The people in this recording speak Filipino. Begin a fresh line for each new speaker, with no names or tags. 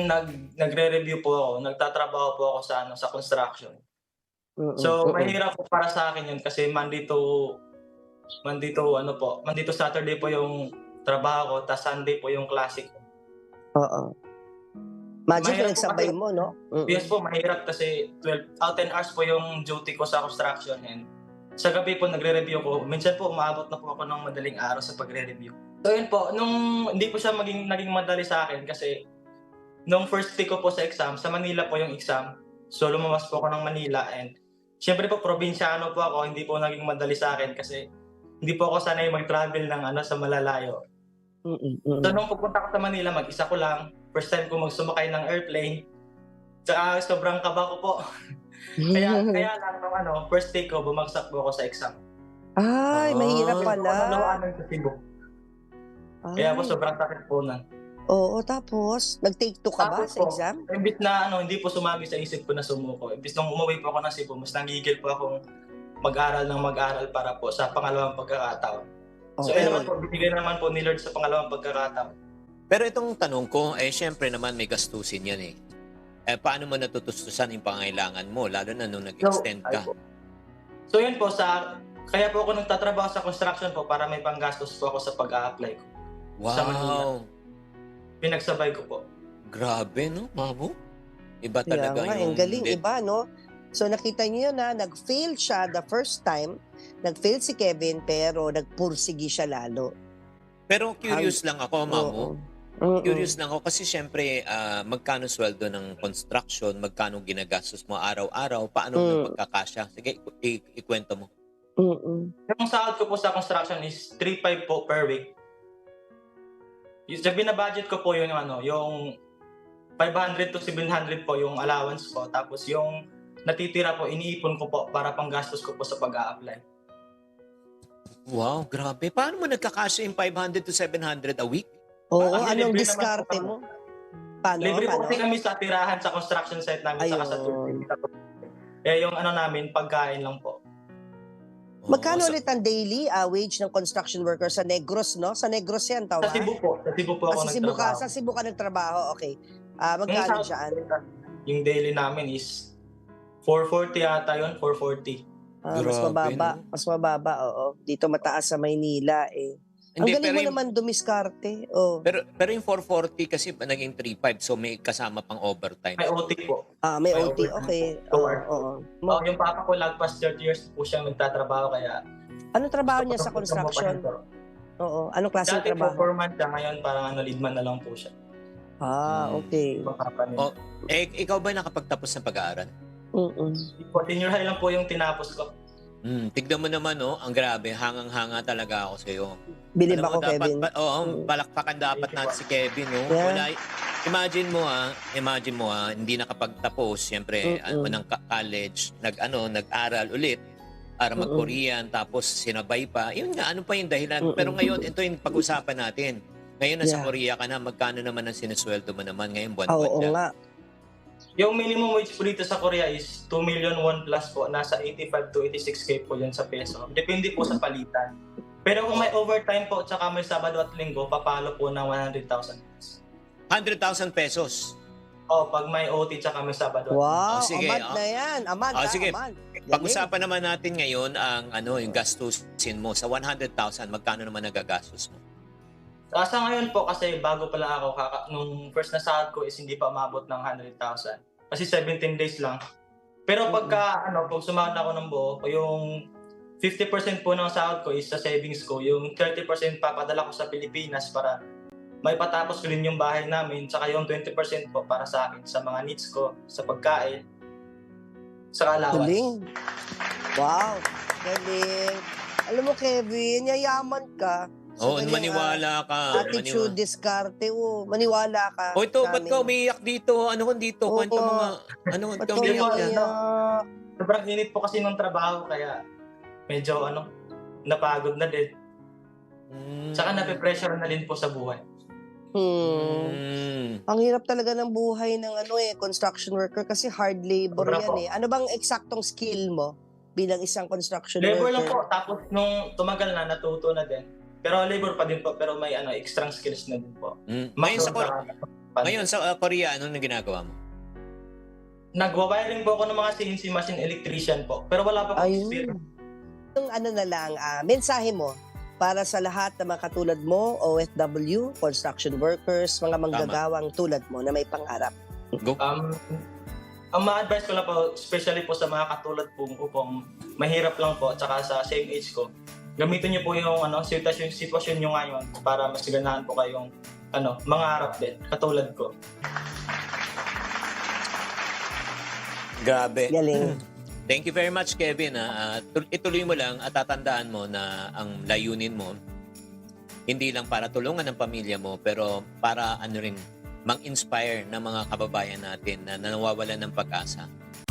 nagre-review po ako, nagtatrabaho po ako sa sa construction.
Mm,
So,
mm.
mahirap po para sa akin 'yun kasi Monday to Saturday po yung trabaho ko, ta's Sunday po yung klase ko.
Oo. Imagine
Mahirap po kasi
pinagsabay mo 'no?
yes
Mm.
po, mahirap kasi 10 hours po yung duty ko sa construction and sa gabi po nagre-review ko. Minsan po umaabot na po ako ng madaling araw sa pagre-review. So yun po, nung hindi po siya naging madali sa'kin kasi nung first week ko po sa exam, sa Manila po yung exam. So lumabas po ako ng Manila and siyempre po probinsyano po ako, hindi po naging madali sa'kin kasi hindi po ako sanay mag-travel ng sa malalayo.
Mm,
So
mm.
nung pupunta ako sa Manila, mag-isa ko lang, first time ko sumakay ng airplane, tsaka sobrang kaba ko po. Kaya kaya lang nung first day ko bumagsak po ako sa exam.
Ay, mahirap
Hindi
Ah,
po ako
pala.
naluwanan sa Cebu. Kaya po
Ay,
sobrang sakit po nun.
oo, tapos nag-take 2 ka ba
Tapos
sa
po,
exam?
imbis na hindi po sumagi sa isip ko na sumuko, imbis nung umuwi po ako ng Cebu, mas nanggigil po akong mag-aral ng mag-aral para po sa pangalawang pagkakataon. So ayun naman
Okey.
po, binigay naman po ni Lord sa pangalawang pagkakataon.
pero itong tanong ko, siyempre naman may gastusin yan eh. Paano mo natutustusan yung pangailangan mo, lalo na nung
So,
nag-extend
ay
ka?
po. So yun po, kaya po ako nagtatrabaho sa construction po para may panggastos po ako sa pag-a-apply ko sa Manila.
Wow!
Pinagsabay ko po.
Grabe, no, Mamo? Iba
Kaya
talaga
nga, ang
yung...
galing, iba 'no? So nakita niyo yun, nag-fail siya the first time, nag-fail si Kevin pero nagpursigi siya lalo.
Pero curious lang ako, Mamo.
Oo. Mm.
Curious lang ako kasi siyempre, magkano sweldo ng construction, magkano ginagastos mo araw-araw, paano
Mm.
nagpagkakasya? Sige, ikwento mo.
Mm.
Yung sahod ko po sa construction is 3,500 po per week. Yung sa bina-budget ko po yung 500 to 700 po yung allowance ko. Tapos yung natitira po, iniipon ko po para panggastos ko po sa pag-a-apply.
Wow, grabe. Paano mo nagkakasya yung 500 to 700 a week?
Oo,
Kasi
anong
libre naman po
diskarte
kami.
mo? Paano,
Libre po kasi
paano?
kami sa tirahan sa construction site namin saka sa
Ayun.
tubig. Eh yung namin, pagkain lang po.
Magkano
Oo,
ulit ang daily wage ng construction worker sa Negros, no? Sa Negros yan,
Sa
tama?
Cebu po. Sa Cebu po ako nagtrabaho.
Sa Cebu ka nagtrabaho, okay.
Yung
Magkano
sahod
dyan?
yung daily namin is 440 yata yun, 440.
Mas
Grabe,
mababa.
no?
Mas mababa, oo. Dito mataas sa Maynila, eh. Ang
Hindi,
galing
pero
mo
yung,
naman dumiskarte. Oh.
pero yung 440 kasi naging 3,500, so may kasama pang overtime.
May OT po.
May
May
OT,
overtime.
okay.
Sure.
Oo.
Yung papa ko lagpas 30 years po siyang nagtatrabaho kaya
Anong trabaho niya sa
gusto ko
construction?
po.
Oo. Anong klaseng
Dati po
trabaho?
foreman siya, ngayon parang leadman na lang po siya.
Okay.
Ibang company.
Oh, ikaw ba nakapagtapos ng pag-aaral?
Mm-mm.
Senior high lang po yung tinapos ko.
Tignan mo naman, no? Ang grabe, hangang-hanga talaga ako sa iyo.
Bilib
Alam mo,
ako,
dapat,
Kevin.
palakpakan dapat natin si Kevin, no?
Yeah.
Wala, imagine mo, hindi nakapagtapos, siyempre, ng college, nag-aral ulit para mag-Korean, tapos sinabay pa. Yun nga, ano pa yung dahilan? Pero ngayon, ito yung pag-usapan natin. Ngayon, nasa Korea ka na, magkano naman ang sinesweldo mo naman ngayon, buwan-buwan
Oo
siya?
nga.
Yung minimum wage po dito sa Korea is 2 million won plus po. Nasa 85 to 86K po yun sa peso. Depende po sa palitan. Pero kung may overtime po tsaka may Sabado at Linggo, papalo po ng 100,000.
100,000 pesos.
Pag may OT tsaka may Sabado.
Wow,
sige,
amad na yan. Amad,
sige.
amad. Galing.
Pag-usapan naman natin ngayon ang yung gastusin mo. Sa 100,000, magkano naman nagagastos mo?
Sa ngayon po kasi bago pa lang ako, nung first na sahod ko is hindi pa umabot ng 100,000. Kasi 17 days lang. Pero pag sumahod na ako ng buo, yung 50% po ng sahod ko is sa savings ko. Yung 30% papadala ko sa Pilipinas para may patapos ko rin yung bahay namin. Tsaka yung 20% po para sa akin, sa mga needs ko, sa pagkain, sa allowance.
Galing. Wow, galing. Alam mo, Kevin, yayaman ka.
Oo,
ganyang,
maniwala ka.
Attitude, diskarte, maniwala ka.
O ito,
sa
ba't
amin.
ka umiiyak dito? Ano kung dito?
Oo.
Kwento mo nga. Ano
Ba't
ka
ka
umiiyak yan?
umiiyak?
Sobrang init po kasi ng trabaho kaya medyo napagod na din. Tsaka nape-pressure na din po sa buhay.
Ang hirap talaga ng buhay ng construction worker kasi hard labor
Sobra
yan
po.
eh. Ano bang eksaktong skill mo bilang isang construction
Labor lang
worker?
po. Tapos nung tumagal na, natuto na din. Pero labor pa din po. Pero may extra skills na din po.
Ngayon sa,
Muscle,
Ngayon sa Korea, anong ginagawa mo?
Nagwa-wiring po ako ng mga CNC machine electrician po. Pero wala pa akong experience.
Yung ano na lang, mensahe mo para sa lahat ng mga katulad mo, OFW, construction workers, mga manggagawang tulad mo na may pangarap.
Go.
Ang ma-advise ko lang po, especially po sa mga katulad po kung mahirap lang po at saka sa same age ko, gamitin niyo po yung sitwasyon niyo ngayon para mas ganahan po kayong mangarap din, katulad ko.
Grabe.
Galing.
Thank you very much, Kevin. Ituloy mo lang at tatandaan mo na ang layunin mo, hindi lang para tulungan ang pamilya mo, pero para mang-inspire ng mga kababayan natin na nawawalan ng pag-asa.